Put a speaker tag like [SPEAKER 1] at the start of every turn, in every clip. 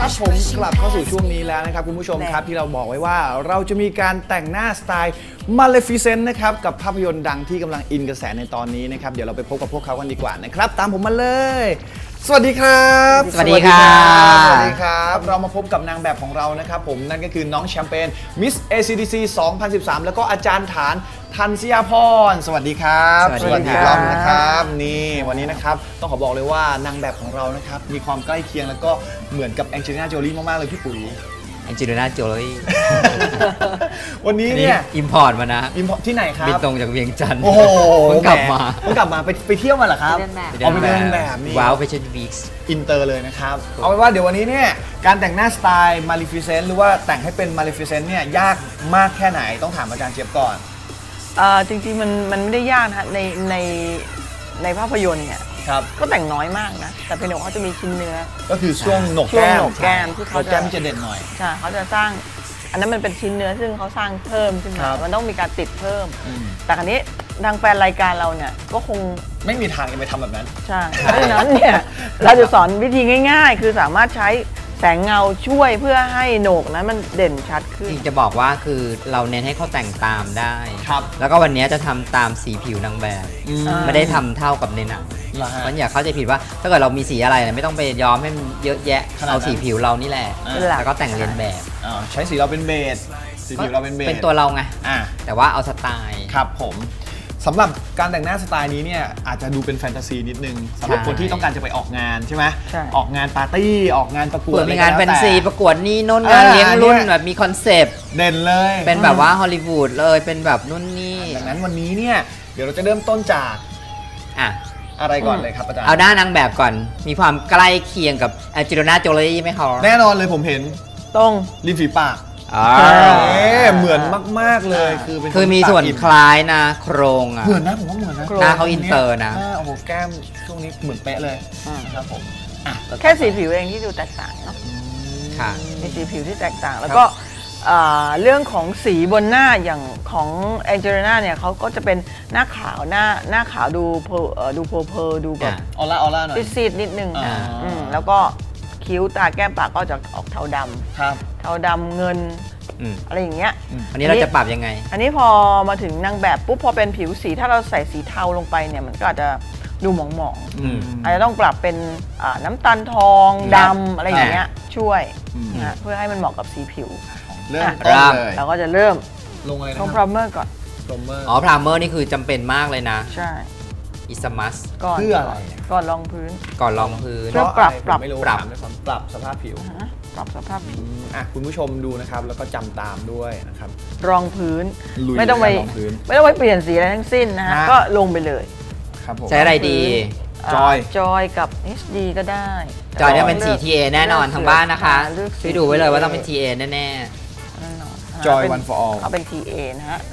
[SPEAKER 1] ครับผมกลับเข้าสู่ช่วงนี้แล้วนะครับคุณผู้ชมครับที่เราบอกไว้ว่าเราจะมีการแต่งหน้าสไตล์ Maleficent นะครับกับภาพยนตร์ดังที่กำลังอินกระแสในตอนนี้นะครับเดี๋ยวเราไปพบกับพวกเขากันดีกว่านะครับตามผมมาเลยสวัสดีครับ
[SPEAKER 2] สวัสดีครับ
[SPEAKER 1] สวัสดีครับเรามาพบกับนางแบบของเรานะครับผมนั่นก็คือน้องแชมเปญ Miss ACDC 2013แล้วก็อาจารย์ฐานธัญญาพรสวัสดีครับ
[SPEAKER 2] สวัสดี
[SPEAKER 1] รอบนะครับนี่วันนี้นะครับต้องขอบอกเลยว่านางแบบของเรานะครับมีความใกล้เคียงแล้วก็เหมือนกับแองเจลิน่าโจลี่มากๆเลยพี่ปุ๋ย
[SPEAKER 2] แองเจลิน่าโจลี่
[SPEAKER 1] วันนี้เนี่ย
[SPEAKER 2] อิมพอร์ตมานะ
[SPEAKER 1] อิมพอร์ตที่ไหนครับ
[SPEAKER 2] บินตรงจากเวียงจันทร์
[SPEAKER 1] โอ้โห
[SPEAKER 2] เพิ่งกลับมา
[SPEAKER 1] ไปเที่ยวมาเหรอครับเอาไปเดินแบบนี่
[SPEAKER 2] ว้าวแฟชั่นวีค
[SPEAKER 1] อินเตอร์เลยนะครับเอาเป็นว่าเดี๋ยววันนี้เนี่ยการแต่งหน้าสไตล์ Maleficent หรือว่าแต่งให้เป็น Maleficent เนี่ยยากมากแค่ไหนต้องถามอาจารย์เจี๊ยบก่อน
[SPEAKER 3] จริงๆมันไม่ได้ยากนะในภาพยนตร์เนี่ยก็แต่งน้อยมากนะแต่เป็นเดี๋ยวเขาจะมีชิ้นเนื้อ
[SPEAKER 1] ก็คือช่วงหนกแก้ม
[SPEAKER 3] ที่เขาจะ
[SPEAKER 1] เด่นหน่อย
[SPEAKER 3] ใช่เขาจะสร้างอันนั้นมันเป็นชิ้นเนื้อซึ่งเขาสร้างเพิ่มขึ้นมามันต้องมีการติดเพิ่มแต่คราวนี้ทางแฟนรายการเราเนี่ยก็คง
[SPEAKER 1] ไม่มีทางจะไปทำแบบนั้น
[SPEAKER 3] ใช่เพราะฉะนั้นเนี่ยเราจะสอนวิธีง่ายๆคือสามารถใช้แสงเงาช่วยเพื่อให้โหนกนั้นมันเด่นชัดขึ้น
[SPEAKER 2] จะบอกว่าคือเราเน้นให้เขาแต่งตามได้แล้วก็วันนี้จะทำตามสีผิวนางแบบไม่ได้ทำเท่ากับในหนังมันอย่าเข้าใจผิดว่าถ้าเกิดเรามีสีอะไรไม่ต้องไปย้อมให้มันเยอะแยะเอาสีผิวเรานี่แหละแล้วก็แต่งเลียนแบบ
[SPEAKER 1] ใช้สีเราเป็นเบสสีผิวเราเป็นเบส
[SPEAKER 2] เป็นตัวเราไงแต่ว่าเอาสไตล์
[SPEAKER 1] ครับผมสำหรับการแต่งหน้าสไตล์นี้เนี่ยอาจจะดูเป็นแฟนตาซีนิดนึงสำหรับคนที่ต้องการจะไปออกงานใช่ไหมออกงานปาร์ตี้ออกงานประกวด
[SPEAKER 2] มีงานแฟนซีประกวดนี่น้นงานเลี้ยงรุ่นแบบมีคอนเซปต์
[SPEAKER 1] เด่นเลย
[SPEAKER 2] เป็นแบบว่าฮอลลีวูดเลยเป็นแบบนู่นนี่
[SPEAKER 1] ดังนั้นวันนี้เนี่ยเดี๋ยวเราจะเริ่มต้นจากอะไรก่อนเลยครับอาจารย์
[SPEAKER 2] เอาด้านนางแบบก่อนมีความใกล้เคียงกับแองเจลิน่าโจลี่ไหมคะ
[SPEAKER 1] แน่นอนเลยผมเห็น
[SPEAKER 3] ตรง
[SPEAKER 1] ริมฝีปากเหมือนมากๆเลย
[SPEAKER 2] คือมีส่วนคล้ายนะโครง
[SPEAKER 1] เหมือนนะผมว่าเหมือนนะ
[SPEAKER 2] หน้าเขาอินเตอร์นะ
[SPEAKER 1] โอ้โหแก้มช่วงนี้เหมือนเป๊ะเลยครับผม
[SPEAKER 3] แค่สีผิวเองที่ดูแตกต่างเนาะ
[SPEAKER 2] ค่ะ
[SPEAKER 3] มีสีผิวที่แตกต่างแล้วก็เรื่องของสีบนหน้าอย่างของแองเจลิน่าเนี่ยเขาก็จะเป็นหน้าขาวหน้าขาวดูเพลดูแบบ
[SPEAKER 1] ออร่าหน่อย
[SPEAKER 3] ซีดนิดนึงแล้วก็คิ้วตาแก้มปากก็จะออกเทาดำเทาดำเงินอะไรอย่างเงี้ย
[SPEAKER 2] อันนี้เราจะปรับยังไง
[SPEAKER 3] อันนี้พอมาถึงนางแบบปุ๊บพอเป็นผิวสีถ้าเราใส่สีเทาลงไปเนี่ยมันก็อาจจะดูหมองอาจจะต้องปรับเป็นน้ำตาลทองดำอะไรอย่างเงี้ยช่วยนะเพื่อให้มันเหมาะกับสีผิว
[SPEAKER 1] เริ่มเลย
[SPEAKER 3] เราก็จะเริ่ม
[SPEAKER 1] ลงอะไรนะ
[SPEAKER 3] ลงพรามเมอร์ก่อน
[SPEAKER 2] พรามเมอร์นี่คือจำเป็นมากเลยนะ
[SPEAKER 3] ใช่
[SPEAKER 2] อิสมัส
[SPEAKER 1] เพื่ออะไร
[SPEAKER 3] ก่อนรองพื้น
[SPEAKER 2] เพื่
[SPEAKER 3] อปรับ
[SPEAKER 1] สภาพผิว
[SPEAKER 3] ปรับสภาพผิว
[SPEAKER 1] คุณผู้ชมดูนะครับแล้วก็จำตามด้วยนะครับ
[SPEAKER 3] รองพื้นไม่ต้องไปเปลี่ยนสีอะไรทั้งสิ้นนะฮะก็ลงไปเลย
[SPEAKER 2] ใช้อะไรดี
[SPEAKER 3] จอยกับ HD ก็ได้
[SPEAKER 2] จอยเนี่ยเป็น TA แน่นอนทางบ้านนะคะช่วยดูไว้เลยว่าต้องเป็น TA แน่
[SPEAKER 1] จอย one for all
[SPEAKER 3] เขาเป็น TA นะฮะ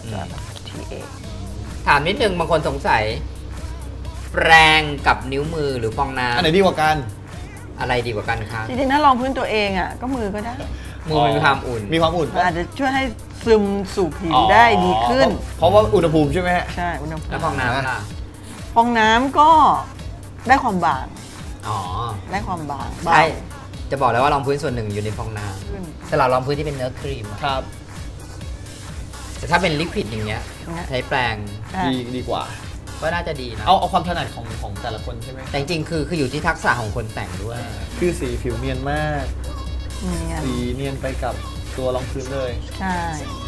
[SPEAKER 3] TA
[SPEAKER 2] ถามนิดนึงบางคนสงสัยแปรงกับนิ้วมือหรือฟองน้ำ
[SPEAKER 1] อันไหนดีกว่ากัน
[SPEAKER 2] อะไรดีกว่ากันคะ
[SPEAKER 3] จริงๆถ้ารองพื้นตัวเองก็มือก็ได้
[SPEAKER 2] มือมีความอุ่น
[SPEAKER 3] อาจจะช่วยให้ซึมสู่ผิวได้ดีขึ้น
[SPEAKER 1] เพราะว่าอุณหภูมิใช่ไหมฮะ
[SPEAKER 3] ใช่อุณหภูมิ
[SPEAKER 2] แล้วฟองน้ำล่ะ
[SPEAKER 3] ฟองน้ำก็ได้ความบางได้ความบาง
[SPEAKER 2] ใช่จะบอกแล้วว่ารองพื้นส่วนหนึ่งอยู่ในฟองน้ำสำหรับรองพื้นที่เป็นเนื้อครีม
[SPEAKER 1] ครับ
[SPEAKER 2] แต่ถ้าเป็นลิควิดอย่างเงี้ยใช้แปรง
[SPEAKER 1] ดีกว่า
[SPEAKER 2] ก็น่าจะดีนะ
[SPEAKER 1] เอาความถนัดของแต่ละคนใช่ไหม
[SPEAKER 2] แต่จริงๆคืออยู่ที่ทักษะของคนแต่งด้วย
[SPEAKER 1] คือสีผิวเนียนมากสีเนียนไปกับตัวรองพื้นเลย
[SPEAKER 3] ใช่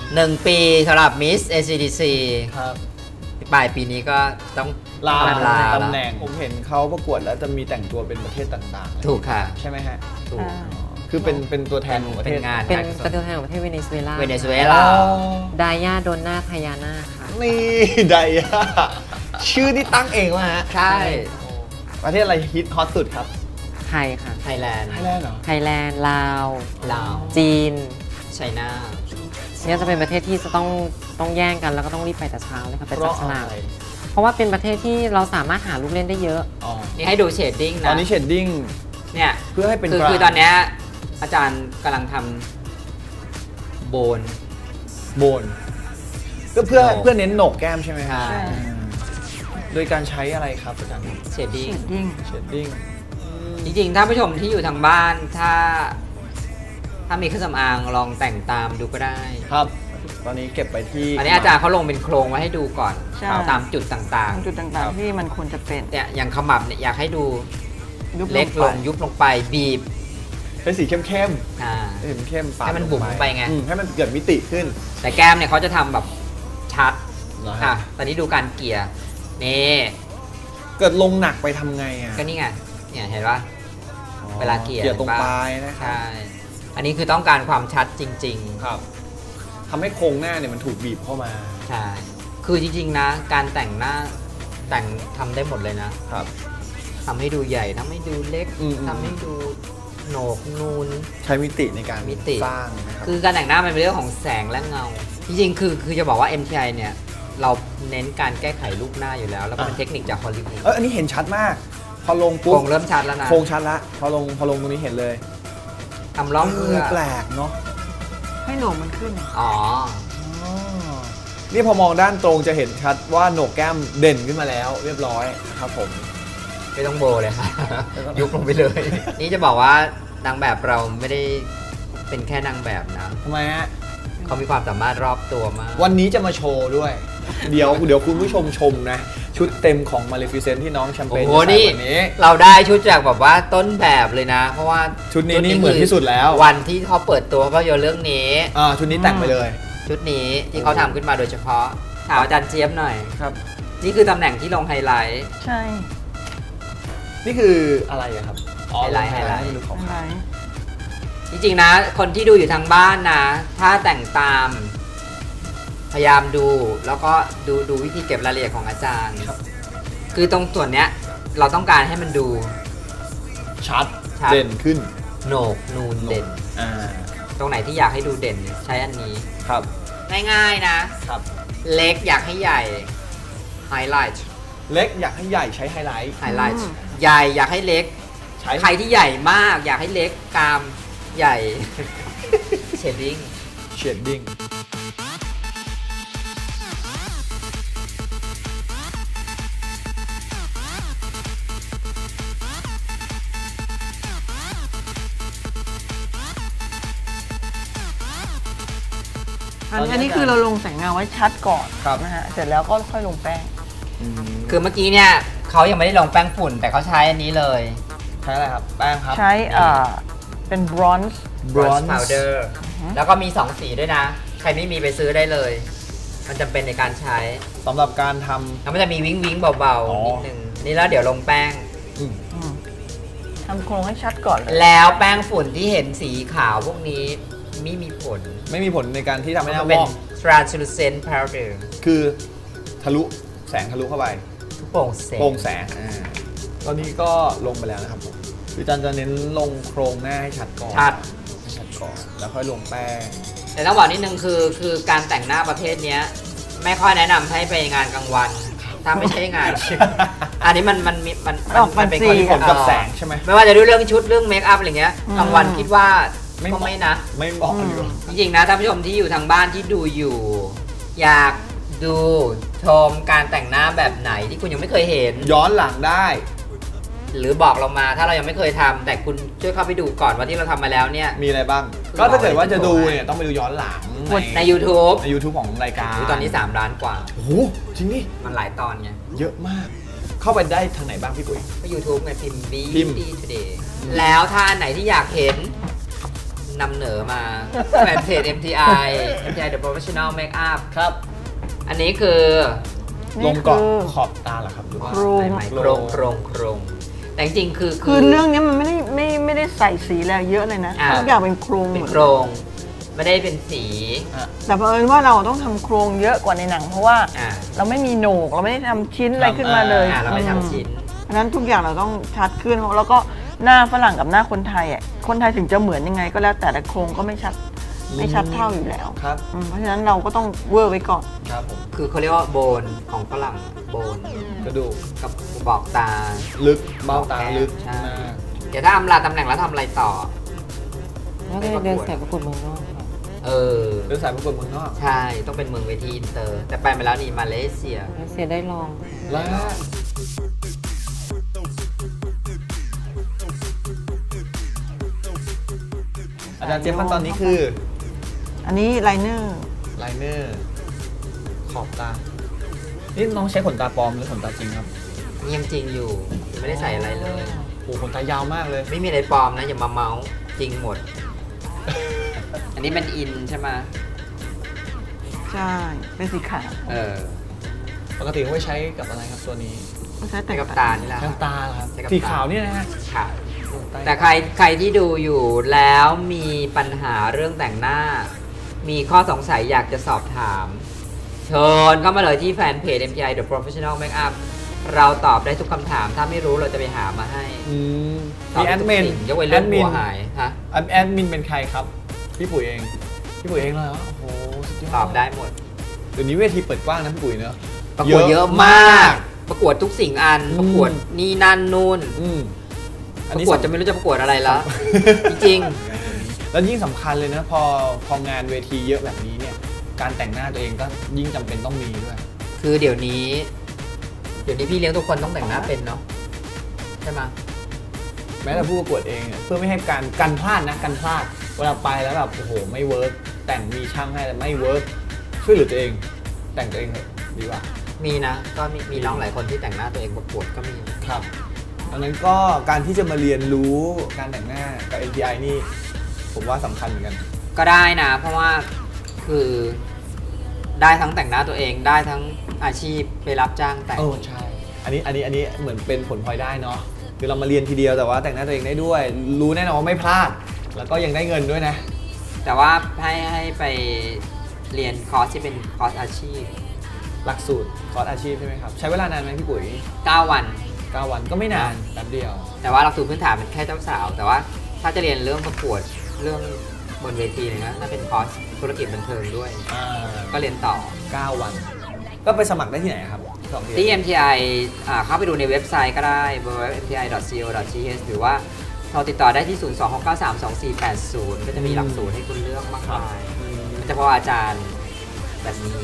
[SPEAKER 2] 1 ปีสำหรับ Miss ACDC
[SPEAKER 1] ครับ
[SPEAKER 2] ปลายปีนี้ก็ต้อง
[SPEAKER 1] ลาตำแหน่งผมเห็นเขาประกวดแล้วจะมีแต่งตัวเป็นประเทศต่าง
[SPEAKER 2] ๆถูกค่ะ
[SPEAKER 1] ใช่ไหมฮะถูกคือเป็นตัวแทนของประเทศ
[SPEAKER 2] งาน
[SPEAKER 4] เป็นตัวแทนของประเทศเวเนซุเอลาไดย่าโดน่าไทยาน่าค่ะ
[SPEAKER 1] นี่ไดย่าชื่อที่ตั้งเองวะฮะ
[SPEAKER 2] ใช่
[SPEAKER 1] ประเทศอะไรฮิตฮอตสุดครับ
[SPEAKER 4] ไทยค่ะ
[SPEAKER 2] ไทยแลนด์
[SPEAKER 1] เหรอ
[SPEAKER 4] ไทยแลนด์ลาวจีน
[SPEAKER 2] ไชน่า
[SPEAKER 4] เนี่ยจะเป็นประเทศที่จะต้องแย่งกันแล้วก็ต้องรีบไปแต่เช้าเลยค่ะไปจับฉลากเพราะว่าเป็นประเทศที่เราสามารถหาลูกเล่นได้เยอะ
[SPEAKER 2] นี่ให้ดูเชดดิ้งนะ
[SPEAKER 1] ตอนนี้เชดดิ้ง
[SPEAKER 2] เนี่ย
[SPEAKER 1] เพื่อให้เป็น
[SPEAKER 2] คือตอนนี้อาจารย์กำลังทำโบน
[SPEAKER 1] ก็เพื่อเน้นโหนกแก้มใช่ไหมครับโดยการใช้อะไรครับอาจารย์
[SPEAKER 2] เชดดิ้ง
[SPEAKER 1] จริง
[SPEAKER 2] ๆท่านผู้ชมที่อยู่ทางบ้านถ้าถ้ามีเครื่องสำอางลองแต่งตามดูก็ได้
[SPEAKER 1] ครับ ตอนนี้เก็บไปที่
[SPEAKER 2] อันนี้อาจารย์เขาลงเป็นโครงไว้ให้ดูก่อน
[SPEAKER 3] ใช่
[SPEAKER 2] ตามจุดต่าง
[SPEAKER 3] จุดต่างๆที่มันควรจะเป็น
[SPEAKER 2] ๆเนี่ยอย่างขมับเนี่ยอยากให้ดู
[SPEAKER 3] ยุบ
[SPEAKER 2] เล็กลง
[SPEAKER 3] ไป
[SPEAKER 2] ยุบลงไปบีบ
[SPEAKER 1] เป็นสีเข้ม
[SPEAKER 2] อ่า
[SPEAKER 1] ๆสีเข้มๆปาด
[SPEAKER 2] ให้มันบุ๋มไปไง
[SPEAKER 1] ให้มันเกิดมิติขึ้น
[SPEAKER 2] แต่แก้มเนี่ยเขาจะทำแบบชัด
[SPEAKER 1] เหรอฮะ
[SPEAKER 2] ค่ะตอนนี้ดูการเกลี่ยนี่
[SPEAKER 1] เกิดลงหนักไปทำไงอ่ะ
[SPEAKER 2] ก็นี่ไงเนี่ยเห็นปะเวลาเกลี่ย
[SPEAKER 1] เกลี่ยตรง
[SPEAKER 2] เห็น
[SPEAKER 1] ป
[SPEAKER 2] ปะ
[SPEAKER 1] ลายนะครับ
[SPEAKER 2] ใช่อันนี้คือต้องการความชัดจริง
[SPEAKER 1] ครับทำให้โครงหน้าเนี่ยมันถูกบีบเข้ามา
[SPEAKER 2] ๆ ใช่ คือจริงๆนะ การแต่งหน้าแต่งทำได้หมดเลยนะครับ ทำให้ดูใหญ่ทำให้ดูเล็ก
[SPEAKER 1] อืม
[SPEAKER 2] ทำให้ดูโหนกนูน
[SPEAKER 1] ใช้มิติในการ
[SPEAKER 2] มิติ
[SPEAKER 1] สร้างนะครับ
[SPEAKER 2] คือการแต่งหน้ามันเป็นเรื่องของแสงและเงา จริงๆ คือจะบอกว่า MTI เนี่ย เราเน้นการแก้ไขรูปหน้าอยู่แล้ว แล้วก็เป็นเทคนิคจากฮอลลีวูด
[SPEAKER 1] อันนี้เห็นชัดมาก พอลง
[SPEAKER 2] โค
[SPEAKER 1] ปุ๊
[SPEAKER 2] ร
[SPEAKER 1] บ
[SPEAKER 2] งเริ่มชัดแล้วนะ
[SPEAKER 1] โครงชัดละพอลงตรงนี้เห็นเลย
[SPEAKER 2] ทำร่องเพื่อ
[SPEAKER 1] แปลกเนาะ
[SPEAKER 3] ให้โหนกมันขึ้น
[SPEAKER 2] อ๋อ
[SPEAKER 1] นี่พอมองด้านตรงจะเห็นชัดว่าโหนกแก้มเด่นขึ้นมาแล้วเรียบร้อยครับผม
[SPEAKER 2] ไม่ต้องโบเลยค่ะ ยุบลงไปเลย นี่จะบอกว่านางแบบเราไม่ได้เป็นแค่นางแบบนะ
[SPEAKER 1] ทำไมฮะ
[SPEAKER 2] เขามีความสามารถรอบตัวมาก
[SPEAKER 1] วันนี้จะมาโชว์ด้วย เดี๋ยวคุณผู้ชมชมนะ ชุดเต็มของ Maleficent ที่น้องแชมเป
[SPEAKER 2] โอ้
[SPEAKER 1] ญ
[SPEAKER 2] โห
[SPEAKER 1] จะใส่
[SPEAKER 2] นี่
[SPEAKER 1] วันนี้
[SPEAKER 2] เราได้ชุดจากแบบว่าต้นแบบเลยนะ เพราะว่า
[SPEAKER 1] ชุดนี้นี่เหมือนที่สุดแล้ว
[SPEAKER 2] วันที่เขาเปิดตัวภาพยนตร์เรื่องนี้
[SPEAKER 1] ชุดนี้แต่งไปเลย
[SPEAKER 2] ชุดนี้ที่เขาทำขึ้นมาโดยเฉพาะถามอาจารย์เจี๊ยบหน่อย
[SPEAKER 1] ครับ
[SPEAKER 2] นี่คือตำแหน่งที่ลงไฮไลท์
[SPEAKER 3] ใช่
[SPEAKER 1] นี่คืออะไรอะครับ
[SPEAKER 2] ไฮไลท์
[SPEAKER 1] ให้ดูของ
[SPEAKER 3] อะไร
[SPEAKER 2] จริงๆนะ คนที่ดูอยู่ทางบ้านนะ ถ้าแต่งตามพยายามดูแล้วก็ดูวิธีเก็บรายละเอียดของอาจารย์ คือตรงส่วนเนี้ยเราต้องการให้มันดู
[SPEAKER 1] ชัด
[SPEAKER 2] ชัด
[SPEAKER 1] เด่นขึ้น
[SPEAKER 2] โหนกนูนเด่น
[SPEAKER 1] อ่า
[SPEAKER 2] ตรงไหนที่อยากให้ดูเด่นเนี่ยใช้อันนี้
[SPEAKER 1] ครับ
[SPEAKER 2] ง่ายๆนะ
[SPEAKER 1] ครับ
[SPEAKER 2] เล็กอยากให้ใหญ่ไฮไลท์
[SPEAKER 1] เล็กอยากให้ใหญ่ใช้ไฮไลท์
[SPEAKER 2] ไฮไลท์ใหญ่อยากให้เล็ก
[SPEAKER 1] ใช้
[SPEAKER 2] ใครที่ใหญ่มากอยากให้เล็กกรามใหญ่ เชดดิ้ง
[SPEAKER 1] เชดดิ้ง
[SPEAKER 3] อันนี้คือเราลงแสงเงาไว้ชัดก่อน
[SPEAKER 1] ครับ
[SPEAKER 3] นะฮะ เสร็จแล้วก็ค่อยลงแป้ง
[SPEAKER 2] คือเมื่อกี้เนี่ยเขายังไม่ได้ลงแป้งฝุ่น แต่เขาใช้อันนี้เลย
[SPEAKER 1] ใช้อะไรครับ แป้งครับ
[SPEAKER 3] ใช้เป็นบรอนซ์
[SPEAKER 2] bronze powder แล้วก็มี 2 สีด้วยนะ ใครไม่มีไปซื้อได้เลย มันจำเป็นในการใช้
[SPEAKER 1] สำหรับการท
[SPEAKER 2] แล้วมันจะมีวิ้งวิ้งเบา
[SPEAKER 1] อ๋อ
[SPEAKER 2] ๆ นิดนึง นี่แล้วเดี๋ยวลงแป้ง
[SPEAKER 3] ทำโครงให้ชัดก่อนเลย
[SPEAKER 2] แล้วแป้งฝุ่นที่เห็นสีขาวพวกนี้ไม่มีผล
[SPEAKER 1] ไม่มีผลในการที่ทำให้หน้า
[SPEAKER 2] เป็
[SPEAKER 1] ว
[SPEAKER 2] น
[SPEAKER 1] อก
[SPEAKER 2] translucent powder
[SPEAKER 1] คือทะลุแสงทะลุเข้าไป
[SPEAKER 2] ทุกโปร่งแสง
[SPEAKER 1] โปร่งแสงตอนนี้ก็ลงไปแล้วนะครับผมคือจันจะเน้นลงโครงหน้าให้ชัดก่อน
[SPEAKER 2] ชัด
[SPEAKER 1] ให้ชัดก่อนแล้วค่อยลงแป้ง
[SPEAKER 2] แต่ต้องบอกนิดนึงคือการแต่งหน้าประเภทเนี้ยไม่ค่อยแนะนำให้ไปงานกลางวัน ถ้าไม่ใช่งาน อันนี้มันเป็นคน
[SPEAKER 1] มีผลกับแสงใช่ไหม
[SPEAKER 2] ไม่ว่าจะด้วยเรื่องชุดเรื่องเมคอัพอะไรเงี้ยกลางวันคิดว่าก็ไม่นะ
[SPEAKER 1] ไม่เหมาะอยู่
[SPEAKER 2] จริงๆนะท่านผู้ชมที่อยู่ทางบ้านที่ดูอยู่ อยากดูชมการแต่งหน้าแบบไหนที่คุณยังไม่เคยเห็น
[SPEAKER 1] ย้อนหลังได้
[SPEAKER 2] หรือบอกเรามาถ้าเรายังไม่เคยทำแต่คุณช่วยเข้าไปดูก่อนว่าที่เราทำมาแล้วเนี่ย
[SPEAKER 1] มีอะไรบ้าง ก็ถ้าเกิดว่าจะดูเนี่ยต้องไปดูย้อนหลัง
[SPEAKER 2] ใน YouTube
[SPEAKER 1] ใน YouTube ของรายการ
[SPEAKER 2] ตอนนี้ 3 ล้านกว่า
[SPEAKER 1] โอ้โหจริงดิ
[SPEAKER 2] มันหลายตอนไง
[SPEAKER 1] เยอะมาก เข้าไปได้ทางไหนบ้างพี่กุ้ย
[SPEAKER 2] ก็ YouTube ไงพิมพ์
[SPEAKER 1] พิมพ์
[SPEAKER 2] Beauty Today แล้วถ้าอันไหนที่อยากเห็นนำเหนอมาแฟนเพจ MTI The Professional Makeup
[SPEAKER 1] ครับ
[SPEAKER 2] อันนี้คือ
[SPEAKER 1] ลงกรอบขอบตาเหรอครับหรือว่า
[SPEAKER 3] โครง
[SPEAKER 2] ใหม่ๆโครงแต่จริงๆคือ
[SPEAKER 3] คือเรื่องนี้มันไม่ได้ใส่สีอะไรเยอะเลยนะ
[SPEAKER 2] อ่า
[SPEAKER 3] ทุกอย่างเป็นโครง
[SPEAKER 2] เป็น
[SPEAKER 3] หมด
[SPEAKER 2] โครงไม่ได้เป็นสี
[SPEAKER 3] แต่เผอิญว่าเราต้องทำโครงเยอะกว่าในหนัง เพราะว่า
[SPEAKER 2] อ่า
[SPEAKER 3] เราไม่มีโหนกเราไม่ได้ทำชิ้นอะไรขึ้นมาเลย
[SPEAKER 2] เราไม่ทำชิ้น
[SPEAKER 3] เพราะฉะนั้นทุกอย่างเราต้องชัดขึ้นแล้วก็หน้าฝรั่งกับหน้าคนไทยอ่ะคนไทยถึงจะเหมือนยังไงก็แล้วแต่โครงก็ไม่ชัดเท่าอยู่แล้ว
[SPEAKER 1] ครับ
[SPEAKER 3] เพราะฉะนั้นเราก็ต้องเวอร์ไว้ก่อน
[SPEAKER 1] ครับผม
[SPEAKER 2] คือเขาเรียกว่าโบนของฝรั่งโบน
[SPEAKER 1] กระดูก
[SPEAKER 2] กับบอกตา
[SPEAKER 1] ลึกเบ้าตาลึก
[SPEAKER 2] ใช่
[SPEAKER 1] มาก
[SPEAKER 2] เดี๋ยวถ้าอำลาตำแหน่งแล้วทำอะไรต่อ
[SPEAKER 4] แล้วก็เดินสายประกวดเมืองนอกค่ะ
[SPEAKER 2] เออ
[SPEAKER 1] เดินสายประกวดเมืองนอก
[SPEAKER 2] ใช่ ต้องเป็นเมืองเวทีอินเตอร์ แต่ไปมาแล้วนี่มาเลเซีย
[SPEAKER 4] แล้วเสียได้ลอง
[SPEAKER 1] แล้วอาจารย์เจี๊ยบขั้นตอนนี้คือ
[SPEAKER 3] อันนี้ไลเนอร์
[SPEAKER 1] ไลเนอร์ขอบตา นี่น้องใช้ขนตาปลอมหรือขนตาจริงครับ
[SPEAKER 2] ยังจริงอยู่ไม่ได้ใส่อะไรเลย
[SPEAKER 1] โอ้ขนตายาวมากเลย
[SPEAKER 2] ไม่มีอะไรปลอมนะอย่ามาเมาส์จริงหมด อันนี้เป็นอินใช่ไหม
[SPEAKER 3] ใช่ เป็นสีขาว
[SPEAKER 1] ปกติเขาไว้ใช้กับอะไรครับตัวนี้
[SPEAKER 3] เขาใช้แต่
[SPEAKER 2] ใช้
[SPEAKER 3] ง
[SPEAKER 2] กับตานี่แหละ
[SPEAKER 1] แค่ตาเหรอครับ
[SPEAKER 2] ใช้กับ
[SPEAKER 1] สี
[SPEAKER 2] ตา
[SPEAKER 1] ขาวเนี่ยนะฮะ
[SPEAKER 2] ค่ะแต่ใครที่ดูอยู่แล้วมีปัญหาเรื่องแต่งหน้า มีข้อสงสัยอยากจะสอบถามเชิญเข้ามาเลยที่แฟนเพจ MTI The Professional Makeup เราตอบได้ทุกคำถามถ้าไม่รู้เราจะไปหามาให้
[SPEAKER 1] มีแอดมิน
[SPEAKER 2] ยกเว้นเรื่องหัวหายฮะ
[SPEAKER 1] แอดมินเป็นใครครับ พี่ปุ๋ยเอง พี่ปุ๋ยเองเลยเหรอโอ้โหสุดยอด
[SPEAKER 2] ตอบได้หมด
[SPEAKER 1] เดี๋ยวนี้เวทีเปิดกว้างนะพี่ปุ๋ยเนอะ
[SPEAKER 2] ประกวดเยอะมาก ประกวดทุกสิ่งอัน ประกวดนี่นั่นนู่น
[SPEAKER 1] อัน
[SPEAKER 2] ประ
[SPEAKER 1] นี้
[SPEAKER 2] กวดจะไม่รู้จะประกวดอะไรแล้ว จริง
[SPEAKER 1] แล้วยิ่งสำคัญเลยนะพองานเวทีเยอะแบบนี้เนี่ยการแต่งหน้าตัวเองก็ยิ่งจำเป็นต้องมีด้วย
[SPEAKER 2] ๆคือเดี๋ยวนี้พี่เลี้ยงทุกคนต้องแต่งหน้าเป็นเนาะใช่ไหม
[SPEAKER 1] แม้แต่ผู้ประกวดเองเนี่ยเพื่อไม่ให้การพลาดนะการพลาดเวลาไปแล้วแบบโอ้โหไม่เวิร์กแต่งมีช่างให้แต่ไม่เวิร์กช่วยเหลือตัวเอง แต่งตัวเองเถอะดีกว่า
[SPEAKER 2] มีนะก็มีน้องหลายคนที่แต่งหน้าตัวเองประกวดก็มี
[SPEAKER 1] ครับดังนั้นก็การที่จะมาเรียนรู้การแต่งหน้ากับ MTI นี่ผมว่าสำคัญเหมือนกัน
[SPEAKER 2] ก็ได้นะ เพราะว่าคือได้ทั้งแต่งหน้าตัวเองได้ทั้งอาชีพไปรับจ้างแต่ง
[SPEAKER 1] ใช่อันนี้เหมือนเป็นผลพลอยได้เนาะคือเรามาเรียนทีเดียวแต่ว่าแต่งหน้าตัวเองได้ด้วย รู้แน่นอนว่าไม่พลาด แล้วก็ยังได้เงินด้วยนะ
[SPEAKER 2] แต่ว่าให้ไปเรียนคอร์สที่เป็นคอร์สอาชีพ
[SPEAKER 1] หลักสูตรคอร์สอาชีพใช่ไหมครับใช้เวลานานไหมพี่ปุ๋ย
[SPEAKER 2] 9 วัน
[SPEAKER 1] 9 วันก็ไม่นานแป๊บเดียว
[SPEAKER 2] แต่ว่าหลักสูตรพื้นฐานเป็นแค่เจ้าสาว แต่ว่าถ้าจะเรียนเรื่องประกวดเรื่องบนเวทีเลยนะน่าเป็นคอร์สธุรกิจบันเทิงด้วย ก็เรียนต่อ
[SPEAKER 1] 9 วัน ก็ไปสมัครได้ที่ไหนครับ
[SPEAKER 2] ที่ MTI เข้าไปดูในเว็บไซต์ก็ได้ www.mti.co.th หรือว่าโทรติดต่อได้ที่ 026932480 ก็จะมีหลักสูตรให้คุณเลือกมากมายมันจะเพราะอาจารย์แบบนี้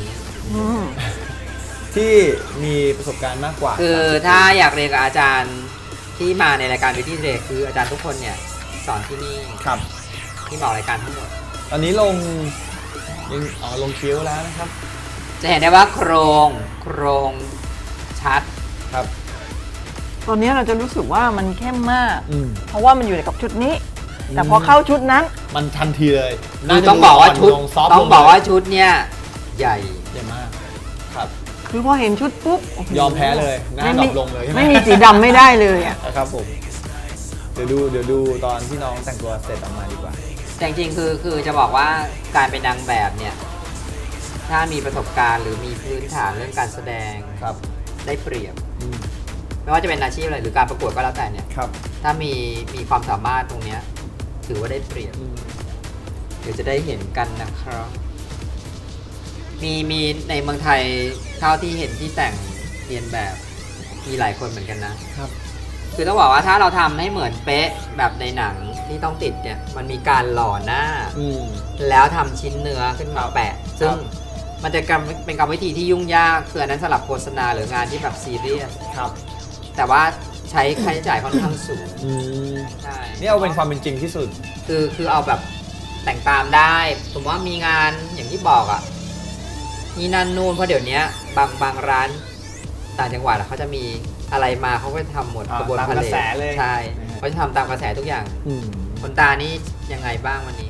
[SPEAKER 1] ที่มีประสบการณ์มากกว่า
[SPEAKER 2] คือถ้าอยากเรียนกับอาจารย์ที่มาในรายการวิธีเรียนคืออาจารย์ทุกคนเนี่ยสอนที่นี่
[SPEAKER 1] ครับ
[SPEAKER 2] ที่มาออกรายการทั้งหมด
[SPEAKER 1] ตอนนี้ลงคิ้วแล้วนะครับ
[SPEAKER 2] จะเห็นได้ว่าโครงชัด
[SPEAKER 1] ครับ
[SPEAKER 3] ตอนนี้เราจะรู้สึกว่ามันเข้มมาก
[SPEAKER 1] อืม
[SPEAKER 3] เพราะว่ามันอยู่ในกับชุดนี้ แต่พอเข้าชุดนั้น
[SPEAKER 1] มันทันทีเลย
[SPEAKER 2] คือต้องบอกว่าชุด
[SPEAKER 1] ซอฟต์
[SPEAKER 2] ต้องบอกว่าชุดเนี่ยใหญ่
[SPEAKER 1] ใหญ่มากครับ
[SPEAKER 3] คือพอเห็นชุดปุ๊บโโห
[SPEAKER 1] ยอมแพ้เลยหน้าดรอปลงเลยใช่ไหม
[SPEAKER 3] ไม่มีสีดำไม่ได้เลยอ่ะ
[SPEAKER 1] ครับผมเดี๋ยวดูตอนที่น้องแต่งตัวเสร็จออกมาดีกว่า
[SPEAKER 2] แต่จริงๆคือจะบอกว่าการเป็นนางแบบเนี่ยถ้ามีประสบการณ์หรือมีพื้นฐานเรื่องการแสดง
[SPEAKER 1] ครับ
[SPEAKER 2] ได้เปรียบ
[SPEAKER 1] อืม
[SPEAKER 2] ไม่ว่าจะเป็นอาชีพอะไรหรือการประกวดก็แล้วแต่เนี่ย
[SPEAKER 1] ครับ
[SPEAKER 2] ถ้ามีความสามารถตรงเนี้ยถือว่าได้เปรียบ
[SPEAKER 1] อืม
[SPEAKER 2] เดี๋ยวจะได้เห็นกันนะครับ มีในเมืองไทยเท่าที่เห็นที่แต่งเรียนแบบมีหลายคนเหมือนกันนะ
[SPEAKER 1] ครับ
[SPEAKER 2] คือต้องบอกว่าถ้าเราทำให้เหมือนเป๊ะแบบในหนังที่ต้องติดเนี่ยมันมีการหล่อหน้า
[SPEAKER 1] อืม
[SPEAKER 2] แล้วทำชิ้นเนื้อขึ้นมาแปะ ซึ่งมันจะเป็นกรรมวิธีที่ยุ่งยากคืออันนั้นสำหรับโฆษณาหรืองานที่แบบซีเรียส
[SPEAKER 1] ครับ
[SPEAKER 2] แต่ว่าใช้ค่าใช้จ่ายค่อนข้างสูง
[SPEAKER 1] อืม
[SPEAKER 2] ใช่
[SPEAKER 1] นี่เอาเป็นความเป็นจริงที่สุด
[SPEAKER 2] คือเอาแบบแต่งตามได้สมมติว่ามีงานอย่างที่บอกอ่ะนี่นั่นนู่นเพราะเดี๋ยวนี้บางร้านต่างจังหวัดเขาจะมีอะไรมาเขาก็ทำหมด
[SPEAKER 1] อ่าก
[SPEAKER 2] ระบวน
[SPEAKER 1] ตาม
[SPEAKER 2] พาก
[SPEAKER 1] ระแสเลย
[SPEAKER 2] ใช่
[SPEAKER 1] นะฮะ
[SPEAKER 2] เขาจะทำตามกระแสทุกอย่าง
[SPEAKER 1] อืม
[SPEAKER 2] คนตานี่ยังไงบ้างวันนี้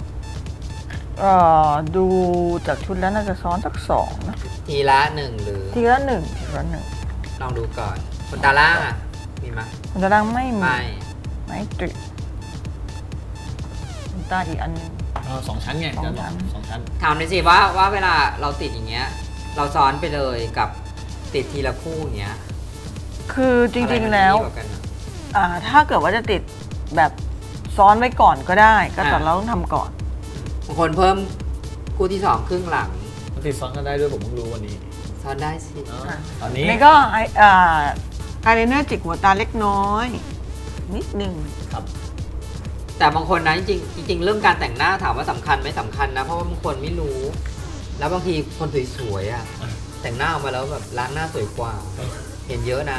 [SPEAKER 3] ดูจากชุดแล้วน่าจะซ้อนสัก2นะ
[SPEAKER 2] ทีละหนึ่งหรือ
[SPEAKER 3] ทีละหนึ่งทีละหนึ่ง
[SPEAKER 2] ลองดูก่อนคนตาล่างอ่ะมีไหม
[SPEAKER 3] มันจะดังไม่มี
[SPEAKER 2] ไม่
[SPEAKER 3] ไม่ติดขนตาอีกอันหนึง
[SPEAKER 1] 2 ชั้นไง
[SPEAKER 3] สอง
[SPEAKER 1] จะบอ
[SPEAKER 3] ชั้
[SPEAKER 1] ก
[SPEAKER 3] น
[SPEAKER 1] 2 ชั้น
[SPEAKER 2] ถามหน่อยสิว่าเวลาเราติดอย่างเงี้ยเราซ้อนไปเลยกับติดทีละคู่อย่างเงี้ย
[SPEAKER 3] คือจริงๆแล้ว
[SPEAKER 2] อะไรมันดีกากันอะ
[SPEAKER 3] ถ้าเกิดว่าจะติดแบบซ้อนไว้ก่อนก็ได้ ก็แต่เราต้องทำก่อน
[SPEAKER 2] บางคนเพิ่มคู่ที่2ครึ่งหลัง
[SPEAKER 1] มันติดซ้อนกันได้ด้วยผมเพิ่งรู้วันนี้
[SPEAKER 2] ซ้อนได้สิ
[SPEAKER 1] ตอนนี้
[SPEAKER 3] นี่ก็อายไลเนอร์จิกหัวตาเล็กน้อย นิดนึง
[SPEAKER 1] ครับ
[SPEAKER 2] แต่บางคนนะจริงเรื่องการแต่งหน้าถามว่าสำคัญไหมสำคัญนะเพราะว่าบางคนไม่รู้ แล้วบางทีคนสวยๆอ่ะแต่งหน้าออกมาแล้วแบบล้างหน้าสวยกว่า เห็นเยอะนะ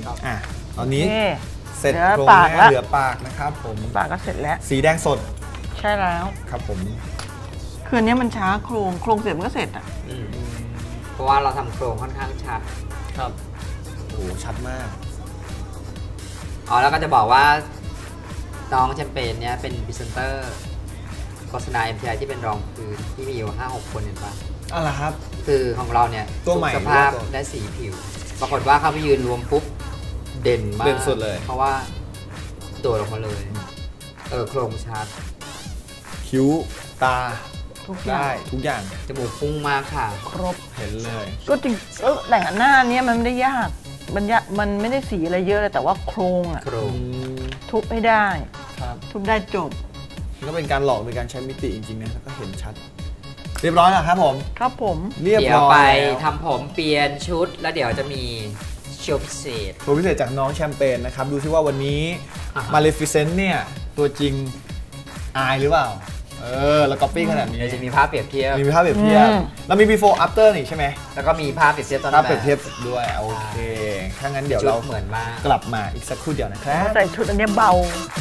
[SPEAKER 1] ตอนนี้
[SPEAKER 3] นี่
[SPEAKER 1] เสร็จ
[SPEAKER 3] เหลือ
[SPEAKER 1] โครง
[SPEAKER 3] ปาก
[SPEAKER 1] หน้า
[SPEAKER 3] ละ
[SPEAKER 1] เหลือปากนะครับผม
[SPEAKER 3] ปากก็เสร็จแล้ว
[SPEAKER 1] สีแดงสด
[SPEAKER 3] ใช่แล้ว
[SPEAKER 1] ครับผม
[SPEAKER 3] คืออันเนี้ยมันช้าโครงเสร็จมันก็เสร็จอ่ะ
[SPEAKER 2] เพราะว่าเราทำโครงค่อนข้างชัด
[SPEAKER 1] ครับโอ้ชัดมาก
[SPEAKER 2] อ๋อแล้วก็จะบอกว่าน้องแชมเปญเนี้ยเป็นพรีเซนเตอร์โฆษณา MTI ที่เป็นรองพื้นที่มีอยู่ 5-6 คนเห็นปะ
[SPEAKER 1] อะไรครับ
[SPEAKER 2] คือของเราเนี่ย
[SPEAKER 1] ตัวใหม่
[SPEAKER 2] สุขภาพ
[SPEAKER 1] หรือว่าตัว
[SPEAKER 2] และสีผิว ปรากฏว่าเข้าไปยืนรวมปุ๊บเด่นมาก
[SPEAKER 1] เด่นสุดเลย
[SPEAKER 2] เพราะว่าโดดออกมาเลยโครงชัด
[SPEAKER 1] คิ้วตา
[SPEAKER 3] ทุกอย่าง
[SPEAKER 1] ได้ทุกอย่าง
[SPEAKER 2] จมูกพุ่งมากค่ะ
[SPEAKER 1] ครบเห็นเลย
[SPEAKER 3] ก็จริงแต่งหน้าเนี้ยมันไม่ได้ยากมันไม่ได้สีอะไรเยอะเลยแต่ว่าโครงอ่ะ
[SPEAKER 2] โครง
[SPEAKER 3] ทุบให้ได้
[SPEAKER 1] ครับ
[SPEAKER 3] ทุบได้จบ
[SPEAKER 1] มันก็เป็นการหลอกโดยการใช้มิติจริงๆนะแล้วก็เห็นชัด เรียบร้อยแล้วครับผม
[SPEAKER 3] ครับผม
[SPEAKER 1] เรียบ
[SPEAKER 2] เดี๋ยว
[SPEAKER 1] ร้อย
[SPEAKER 2] ไป
[SPEAKER 1] แล้ว
[SPEAKER 2] ทำผมเปลี่ยนชุด แล้วเดี๋ยวจะมีโชว์พิเศษ
[SPEAKER 1] โชว์พิเศษจากน้องแชมเปญนะครับ ดูซิว่าวันนี้
[SPEAKER 2] อ่าฮะ
[SPEAKER 1] มาเลฟิเซนต์เนี่ย ตัวจริงอายหรือเปล่า แล้วก๊อปปี้ขนาดนี้
[SPEAKER 2] เดี๋ยวจะมีภาพเปรียบเทียบ
[SPEAKER 1] มีภาพเปรียบเทียบแล้วมี before after นี่ใช่ไหม
[SPEAKER 2] แล้วก็มีภาพเปรียบเทียบตอน
[SPEAKER 1] ภาพ
[SPEAKER 2] แบ
[SPEAKER 1] เปรีย
[SPEAKER 2] บบ
[SPEAKER 1] เทียบด้วยโอเค ถ้างั้นเดี๋ยว
[SPEAKER 2] ชุ
[SPEAKER 1] เรา
[SPEAKER 2] เหมือนมาก
[SPEAKER 1] กลับมาอีกสักครู่เดียวนะครับ
[SPEAKER 3] ใส่ชุดอันเนี้ยเบา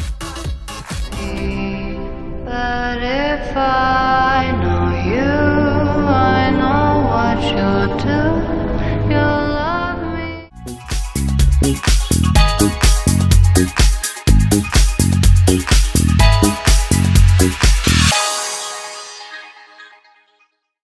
[SPEAKER 5] But if I know you, I know what you'll do.